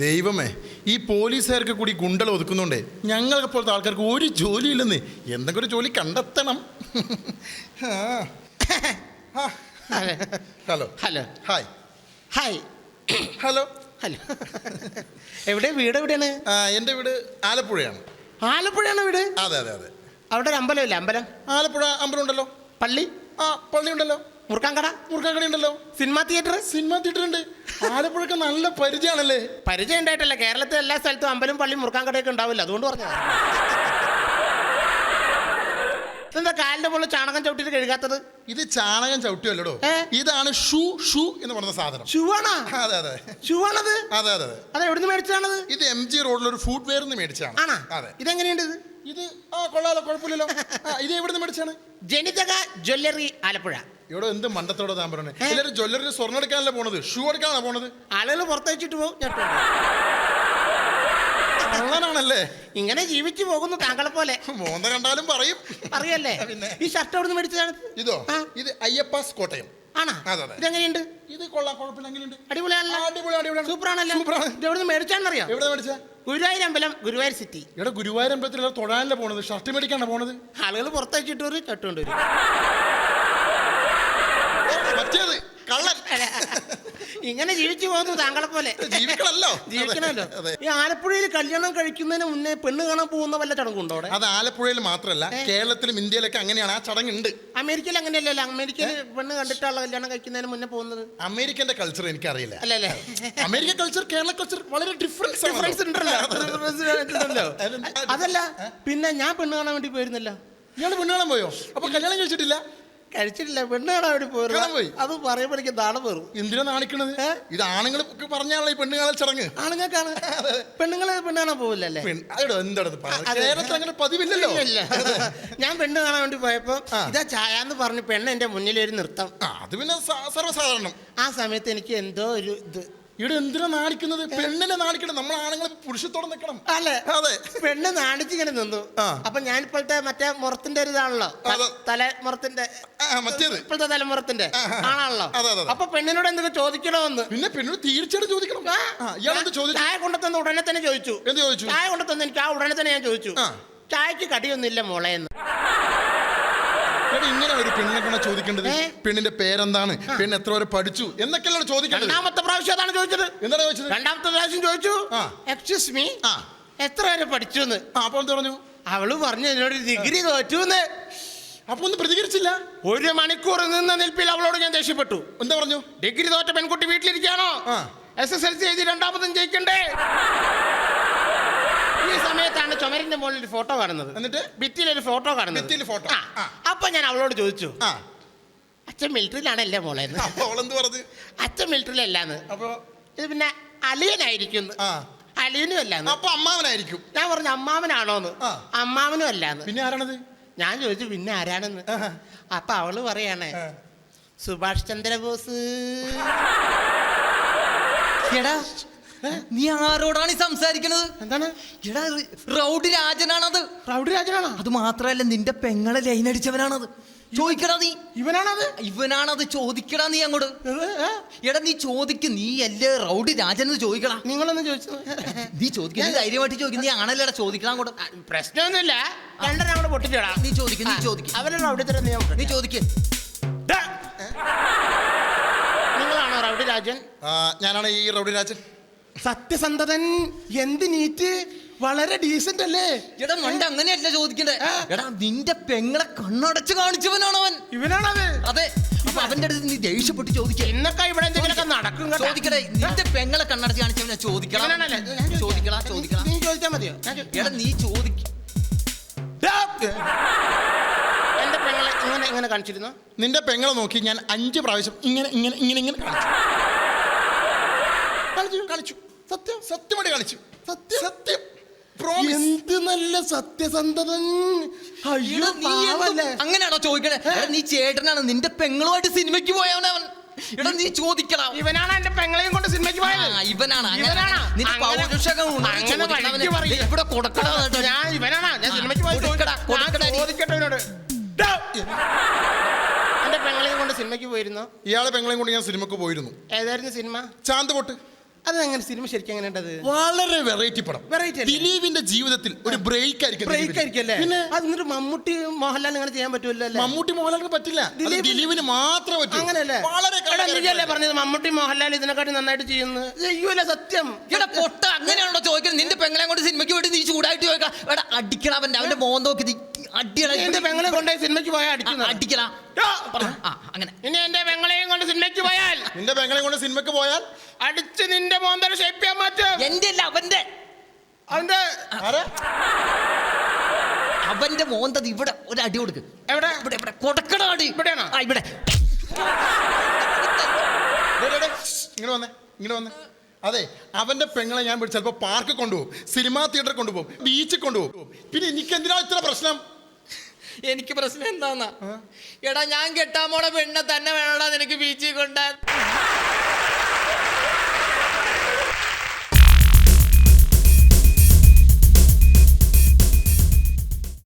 ദൈവമേ, ഈ പോലീസുകാർക്ക് കൂടി ഗുണ്ടൽ ഒതുക്കുന്നുണ്ടേ ഞങ്ങളെ പോലത്തെ ആൾക്കാർക്ക് ഒരു ജോലിയില്ലെന്ന്. എന്തെങ്കിലും ഒരു ജോലി കണ്ടെത്തണം. Hello hello hi hi hello hello. എവിടെ വീട് എവിടെയാണ്? എൻ്റെ വീട് ആലപ്പുഴയാണ്. ആലപ്പുഴയാണ് വീട്? അതെ അതെ അതെ. അവിടെ ഒരു അമ്പലമില്ല? അമ്പലം? ആലപ്പുഴ അമ്പലം ഉണ്ടല്ലോ. പള്ളി? പള്ളി ഉണ്ടല്ലോ. മുറുക്കാൻകട? മുറുക്കാൻകട ഉണ്ടല്ലോ. Cinema theatre? സിനിമാ തിയേറ്റർ ഉണ്ട്. ആലപ്പുഴക്ക് നല്ല പരിചയമാണല്ലേ? പരിചയം ഉണ്ടായിട്ടല്ല, കേരളത്തിലെ എല്ലാ സ്ഥലത്തും അമ്പലം പള്ളി മുറുക്കാൻകടയൊക്കെ ഉണ്ടാവില്ല, അതുകൊണ്ട് പറഞ്ഞത്. എന്താ കാലിന്റെ പോലെ ചാണകം ചവിട്ടിട്ട് കഴുകാത്തത്? ഇത് ചാണകം ചവിട്ടിയല്ലോ, ഇതാണ് ഷൂ. ഷൂ എന്ന് പറഞ്ഞ സാധനം. ഷൂ ആണോ? അതെ അതെ. ഷൂ ആണത്? അതെ അതെ അതെ. അത് എവിടുന്ന് മേടിച്ചതാണത്? ഇത് MG റോഡിൽ ഒരു ഫുഡ് വെയർ മേടിച്ചാണ്. ആണോ? അതെ. ഇതെങ്ങനെയുണ്ട്? ഇത് കൊള്ളാലോ, കുഴപ്പമില്ലല്ലോ. ഇത് എവിടുന്ന് മേടിച്ചാണ്? ജനിതക ജ്വല്ലറി ആലപ്പുഴ. ഇവിടെ എന്ത് മണ്ടത്തോടെ താൻ പറഞ്ഞത്? എല്ലാവരും ജ്വല്ലറി സ്വർണ്ണം എടുക്കാനല്ലേ പോണത്, ഷൂ എടുക്കാനാണ് പോണത്. ആളുകൾ പുറത്തയച്ചിട്ട് പോകും. കള്ളനാണല്ലേ? ഇങ്ങനെ ജീവിച്ചു പോകുന്നു താങ്കളെ പോലെ. മോന്ത കണ്ടാലും പറയും. അറിയല്ലേ? ഈ ഷർട്ട് എവിടുന്ന് മേടിച്ചതാണ്? ഇതോ? ഇത് അയ്യപ്പാസ് കോട്ടയം. ആണോ? അതെ അതെ. ഇതെങ്ങനെയുണ്ട്? ഇത് കൊള്ളാം, കുഴപ്പമില്ല. എങ്ങനെയുണ്ട്? അടിപൊളിയാണല്ലോ. അടിപൊളിയാണ്. സൂപ്പറാണല്ലോ. ഇത് എവിടുന്ന് മേടിച്ചാണെന്നറിയാം? എവിടെ മേടിച്ച? ഗുരുവായൂർ അമ്പലം, ഗുരുവായൂർ സിറ്റി. ഇവിടെ ഗുരുവായൂർ അമ്പലത്തിൽ തൊഴാനല്ലേ പോണത്, ഷർട്ട് മേടിക്കാണ് പോണത്. ആളുകൾ പുറത്തയച്ചിട്ട് ഒരു ഷർട്ട് കൊണ്ടുവരും. മറ്റേത് കള്ളൻ. ഇങ്ങനെ ജീവിച്ചു പോകുന്നു താങ്കളെ പോലെ. ജീവിക്കണല്ലോ. ജീവിക്കണമല്ലോ. ഈ ആലപ്പുഴയിൽ കല്യാണം കഴിക്കുന്നതിന് മുന്നേ പെണ്ണ് കാണാൻ പോകുന്ന വല്ല ചടങ്ങുണ്ടോ അവിടെ? അത് ആലപ്പുഴയിൽ മാത്രമല്ല, കേരളത്തിലും ഇന്ത്യയിലൊക്കെ അങ്ങനെയാണ്. ആ ചടങ്ങുണ്ട്. അമേരിക്കയിൽ അങ്ങനെയല്ലല്ലോ. അമേരിക്കയിൽ പെണ്ണ് കണ്ടിട്ടുള്ള കല്യാണം കഴിക്കുന്നതിന് മുന്നേ പോകുന്നത്. അമേരിക്കന്റെ കൾച്ചർ എനിക്കറിയില്ല. അല്ലല്ലേ? അമേരിക്കൻ കൾച്ചർ കേരള കൾച്ചർ വളരെ ഡിഫറൻസ് ഉണ്ടല്ലോ. അതല്ല, പിന്നെ ഞാൻ പെണ്ണ് കാണാൻ വേണ്ടി പോയിരുന്നല്ലോ. ഇയാള് പെണ്ണ് കാണാൻ പോയോ? അപ്പൊ കല്യാണം കഴിച്ചിട്ടില്ല? കഴിച്ചിട്ടില്ല, പെണ്ണ് കാണാൻ വേണ്ടി പോയി. അത് പറയുമ്പോഴേക്കും നാണം പേറും. എന്തിനാ നാണിക്കണത്? ഇത് ആണുങ്ങൾ പറഞ്ഞാണല്ലോ ഈ പെണ്ണ് കാണൽ ചടങ്ങ്. ആണുങ്ങൾക്കാണ്. പെണ്ണുങ്ങള് പെണ്ണ് കാണാൻ പോവില്ലല്ലേ? കേരളത്തിൽ അങ്ങനെ പതിവില്ലല്ലോ. ഞാൻ പെണ്ണ് കാണാൻ വേണ്ടി പോയപ്പോ ഇതാ ചായ എന്ന് പറഞ്ഞു പെണ്ണ് എന്റെ മുന്നിലൊരു നൃത്തം. അത് പിന്നെ സർവ്വസാധാരണം. ആ സമയത്ത് എനിക്ക് എന്തോ ഒരു ഇത്. ഇവിടെ എന്തിനാ നാണിക്കുന്നത്? പെണ്ണിനെ നാണിക്കണം. നമ്മൾ ആണുങ്ങൾ പുരുഷത്തോടെ നിൽക്കണം. അല്ലേ? അതെ. പെണ്ണ് നാണിച്ചിങ്ങനെ നിന്നു. അപ്പൊ ഞാനിപ്പോഴത്തെ മറ്റേ മുറത്തിന്റെ ഒരു ഇതാണല്ലോ, തലമുറത്തിന്റെ, ഇപ്പോഴത്തെ തലമുറത്തിന്റെ ആണാണല്ലോ. അപ്പൊ പെണ്ണിനോട് എന്തൊക്കെ ചോദിക്കണമെന്ന്. പിന്നെ പെണ്ണിനോട് തീർച്ചയായിട്ടും ചോദിക്കണം. ചായ കൊണ്ടുതന്ന ഉടനെ തന്നെ ചോദിച്ചു. എന്ത് ചോദിച്ചു? ചായ കൊണ്ടുതന്ന എനിക്ക് ആ ഉടനെ തന്നെ ഞാൻ ചോദിച്ചു, ചായക്ക് കടിയൊന്നുമില്ല മോളെ എന്ന്. ഇങ്ങനെ ഒരു പെണ്ണിനെ കൊണ്ട് ചോദിക്കേണ്ടത്, പെണ്ണിന്റെ പേരെന്താണ്, പെണ്ണ് എത്ര വരെ പഠിച്ചു എന്നൊക്കെയല്ലോ ചോദിക്കേണ്ടത്. രണ്ടാമത്തെ പ്രാവശ്യം അതാണ് ചോദിച്ചത്. എന്താണ് ചോദിച്ചത്? രണ്ടാമത്തെ പ്രാവശ്യം ചോദിച്ചു, എക്സ്ക്യൂസ് മീ, എത്ര വരെ പഠിച്ചു എന്ന്. അപ്പൊ എന്ത് പറഞ്ഞു? അവള് പറഞ്ഞു എന്നോട് ഡിഗ്രി തോറ്റു. അപ്പൊ ഒന്നും പ്രതികരിച്ചില്ല. 1 മണിക്കൂർ നിന്ന നിൽപ്പിൽ അവളോട് ഞാൻ ദേഷ്യപ്പെട്ടു. എന്താ പറഞ്ഞു? ഡിഗ്രി തോറ്റ പെൺകുട്ടി വീട്ടിലിരിക്കാണോ? SSLC എഴുതി രണ്ടാമതും ജയിക്കണ്ടേ? ഈ സമയത്താണ് ചുമരിന്റെ മുകളിൽ ഒരു ഫോട്ടോ കാണുന്നത്. എന്നിട്ട് ഭിത്തിയിലൊരു ഫോട്ടോ കാണുന്നത്. അപ്പൊ ഞാൻ അവളോട് ചോദിച്ചു, അച്ഛൻ മിലിറ്ററിയിലാണല്ലേ മോളെ? അച്ഛൻ മിലിറ്ററിയിലല്ലാന്ന്. അപ്പൊ ഇത് പിന്നെ അലിയനായിരിക്കും. അലിയനും അല്ലാന്ന്. അപ്പൊ അമ്മാവനായിരിക്കും. ഞാൻ പറഞ്ഞു അമ്മാവനാണോന്ന്. അമ്മാവനും അല്ലാന്ന്. പിന്നെ ആരാണത്? ഞാൻ ചോദിച്ചു പിന്നെ ആരാണെന്ന്. അപ്പൊ അവള് പറയാണ് സുഭാഷ് ചന്ദ്രബോസ്. എടാ, നീ ആരോടാണ് സംസാരിക്കണത്? എന്താണ്? എടാ, റൗഡി രാജനാണത്. റൗഡി രാജനാണോ? അത് മാത്രല്ല, നിന്റെ പെങ്ങളെ ലൈൻ അടിച്ചവനാണത്. ചോദിക്കടാ നീ. ഇവനാണത് ചോദിക്കടാ നീ അങ്ങോട്ട്. എടാ നീ ചോദിക്കും, നീ അല്ലേ റൗഡി രാജൻ എന്ന് ചോദിക്കടാ. നിങ്ങളൊന്ന് ചോദിച്ചു. നീ ചോദിക്കും, നീ ധൈര്യമായിട്ട് ചോദിക്കും. നീ ആണല്ലേടാ, ചോദിക്കണം അങ്ങോട്ട്. പ്രശ്നമൊന്നുമില്ല, രണ്ടരങ്ങോട്ട് പൊട്ടിച്ചോടാ. നീ ചോദിക്കും, നീ ചോദിക്കും. അവരുടെ റൗഡി തരം നീ ചോദിക്കും. നിങ്ങളാണോ റൗഡി രാജൻ? ഞാനാണ് ഈ റൗഡി രാജൻ. സത്യസന്ധതൻ, എന്ത് നീറ്റ്, വളരെ ഡീസന്റ് അല്ലേ? എടാ മണ്ട, അങ്ങനെയല്ല ചോദിക്കണ്ടേ. എടാ നിന്റെ പെങ്ങളെ കണ്ണടച്ച് കാണിച്ചവനാണ് അവൻ. ഇവനാണത്? അതെ. അപ്പൊ അവന്റെ അടുത്ത് നീ ദേഷ്യപ്പെട്ട് ചോദിക്കുക. ഇന്നൊക്കെ ഇവിടെ എന്തെങ്കിലുമൊക്കെ നടക്കും. ചോദിക്കടേ, നിന്റെ പെങ്ങളെ കണ്ണടച്ച് കാണിച്ചവനാ. ചോദിക്കണം. നീ ചോദിച്ചാൽ മതിയോ? എടാ നീ ചോദിക്ക. എന്റെ പെങ്ങളെ ഇങ്ങനെ കാണിച്ചിരുന്നു? നിന്റെ പെങ്ങളെ നോക്കി ഞാൻ 5 പ്രാവശ്യം ഇങ്ങനെ ഇങ്ങനെ ഇങ്ങനെ ഇങ്ങനെ കാണിച്ചു. സത്യമായിട്ട് കാണിച്ചു. സത്യം. എന്ത് നല്ല സത്യസന്ധതൻ. അങ്ങനെയാണോ ചോദിക്കണേ? നീ ചേട്ടനാണ്, നിന്റെ പെങ്ങളുമായിട്ട് സിനിമയ്ക്ക് പോയവനവൻ. എടാ നീ ചോദിക്കണം. ഇവനാണ് എന്റെ പെങ്ങളെയും കൊണ്ട് സിനിമയ്ക്ക് പോയത്. ഇവനാണ്. ഇവിടെ കൊടുക്കണം. ഞാൻ സിനിമയ്ക്ക് പോയി. എന്റെ പെങ്ങളെയും കൊണ്ട് സിനിമയ്ക്ക് പോയിരുന്നു. ഇയാളെ പെങ്ങളെയും കൊണ്ട് ഞാൻ സിനിമയ്ക്ക് പോയിരുന്നു. ഏതായിരുന്നു സിനിമ? ചാന്ത് പൊട്ട്. അതെങ്ങനെ സിനിമ ശരിക്കും എങ്ങനെ ഉണ്ടത്? വളരെ വെറൈറ്റി പടം. Variety അല്ലേ? ദിലീപിന്റെ ജീവിതത്തിൽ ഒരു ബ്രേക്ക് ബ്രേക്ക് ആയിരിക്കും അല്ലേ? പിന്നെ അത് എന്നിട്ട് മമ്മൂട്ടി മോഹൻലാൽ അങ്ങനെ ചെയ്യാൻ പറ്റുമല്ലോ അല്ലേ? മമ്മൂട്ടി മോഹൻലാലിന് പറ്റില്ല, ദിലീപിന് മാത്രം പറ്റും. അങ്ങനെയല്ലേ? വളരെ എടാ, നീയല്ലേ പറഞ്ഞത് മമ്മൂട്ടി മോഹൻലാൽ ഇതിനെക്കാട്ടി നന്നായിട്ട് ചെയ്യുന്നു? ചെയ്യൂല, സത്യം. എടാ പൊട്ട, അങ്ങനെയാണോ ചോദിക്കുന്നത്? നിന്റെ പെങ്ങളെ കൊണ്ട് സിനിമയ്ക്ക് വേണ്ടി നീ ചൂടായിട്ട് ചോദിക്കാം. എടാ അടിക്കടാ അവന്റെ മോൻ നോക്കി നീ അടിയടാ. എന്റെ പെങ്ങളെ കൊണ്ടുപോയി സിനിമയ്ക്ക് പോയാൽ അടിക്കുന്നു. അടിക്കടാ. അങ്ങനെ ഇനി എന്റെ പെങ്ങളെയും കൊണ്ട് സിനിമയ്ക്ക് പോയാൽ, നിന്റെ പെങ്ങളെ കൊണ്ട് സിനിമയ്ക്ക് പോയാൽ അടിച്ച് നിന്റെ മോന്തര ഷേപ്പ് ചെയ്യാൻ മാറ്റും. എന്റെ അല്ല അവന്റെ അവന്റെ അവന്റെ മോന്തത് ഇവിടെ ഒരു അടി കൊടുക്ക്. എവിടെ? ഇവിടെ ഇവിടെ കൊടുക്കണ അടി. ഇവിടെയാണോ? ആ ഇവിടെ. ഇങ്ങനെ വന്നേ, ഇങ്ങനെ വന്നേ. അതെ, അവന്റെ പെങ്ങളെ ഞാൻ ചിലപ്പോ പാർക്ക് കൊണ്ടുപോകും, സിനിമാ തിയേറ്ററിൽ കൊണ്ടുപോകും, ബീച്ചിൽ കൊണ്ടുപോകും. പിന്നെ എനിക്ക് എന്തിനാ ഇത്ര പ്രശ്നം? എനിക്ക് പ്രശ്നം എന്താന്നാ, എടാ ഞാൻ കെട്ടാൻ പോണ പെണ്ണെ തന്നെ വേണോടാ നിനക്ക് ബീച്ചിൽ കൊണ്ടാ.